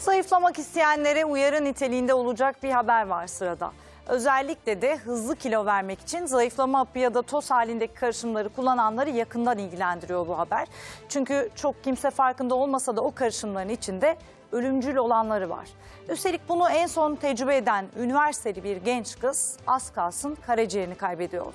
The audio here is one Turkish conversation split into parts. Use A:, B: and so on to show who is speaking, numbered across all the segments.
A: Zayıflamak isteyenlere uyarı niteliğinde olacak bir haber var sırada. Özellikle de hızlı kilo vermek için zayıflama hapı ya da toz halindeki karışımları kullananları yakından ilgilendiriyor bu haber. Çünkü çok kimse farkında olmasa da o karışımların içinde ölümcül olanları var. Üstelik bunu en son tecrübe eden üniversiteli bir genç kız az kalsın karaciğerini kaybediyordu.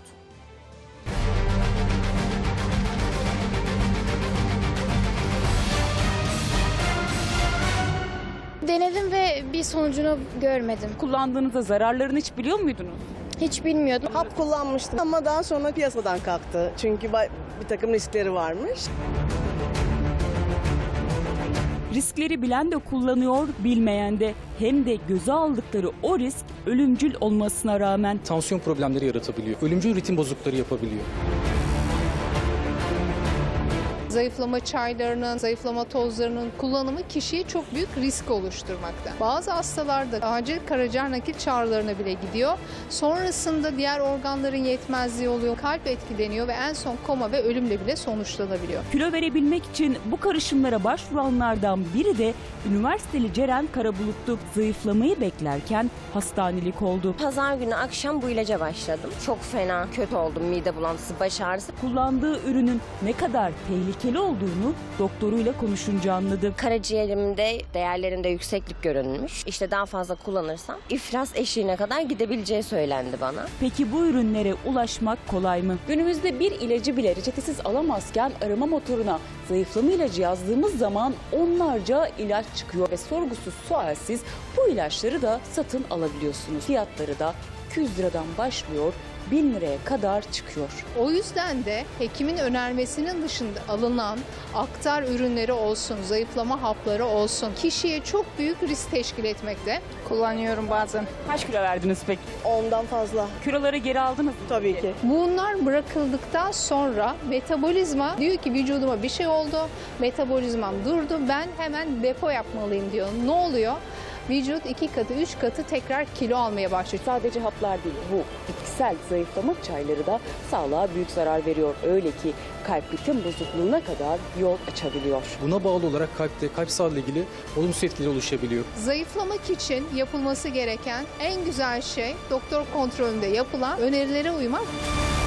B: Denedim ve bir sonucunu görmedim.
C: Kullandığınızda zararlarını hiç biliyor muydunuz?
B: Hiç bilmiyordum.
D: Hap kullanmıştım ama daha sonra piyasadan kalktı. Çünkü bir takım riskleri varmış.
C: Riskleri bilen de kullanıyor, bilmeyen de. Hem de göze aldıkları o risk ölümcül olmasına rağmen.
E: Tansiyon problemleri yaratabiliyor. Ölümcül ritim bozuklukları yapabiliyor.
F: Zayıflama çaylarının, zayıflama tozlarının kullanımı kişiye çok büyük risk oluşturmakta. Bazı hastalarda acil karaciğer nakil çağrılarına bile gidiyor. Sonrasında diğer organların yetmezliği oluyor, kalp etkileniyor ve en son koma ve ölümle bile sonuçlanabiliyor.
C: Kilo verebilmek için bu karışımlara başvuranlardan biri de üniversiteli Ceren Karabulut'tu. Zayıflamayı beklerken hastanelik oldu.
G: Pazar günü akşam bu ilaca başladım. Çok fena, kötü oldum. Mide bulantısı, baş ağrısı.
C: Kullandığı ürünün ne kadar tehlikeli olduğunu doktoruyla konuşunca anladı.
G: Karaciğerimde değerlerinde yükseklik görünmüş. İşte daha fazla kullanırsam iflas eşiğine kadar gidebileceği söylendi bana.
C: Peki bu ürünlere ulaşmak kolay mı?
H: Günümüzde bir ilacı bile reçetesiz alamazken arama motoruna zayıflama ilacı yazdığımız zaman onlarca ilaç çıkıyor ve sorgusuz sualsiz bu ilaçları da satın alabiliyorsunuz. Fiyatları da 200 liradan başlıyor, 1000 liraya kadar çıkıyor.
F: O yüzden de hekimin önermesinin dışında alınan aktar ürünleri olsun, zayıflama hapları olsun kişiye çok büyük risk teşkil etmekte.
B: Kullanıyorum bazen.
C: Kaç kilo verdiniz peki?
D: Ondan fazla
C: Kiloları geri aldınız mı?
D: tabii ki.
F: Bunlar bırakıldıktan sonra metabolizma diyor ki vücuduma bir şey oldu, metabolizmam durdu, ben hemen depo yapmalıyım diyor. Ne oluyor? Vücut 2 katı, 3 katı tekrar kilo almaya başlıyor.
H: Sadece haplar değil, bu bitkisel zayıflama çayları da sağlığa büyük zarar veriyor. Öyle ki kalp ritim bozukluğuna kadar yol açabiliyor.
E: Buna bağlı olarak kalp sağlığı ile ilgili olumsuz etkileri oluşabiliyor.
F: Zayıflamak için yapılması gereken en güzel şey doktor kontrolünde yapılan önerilere uymak.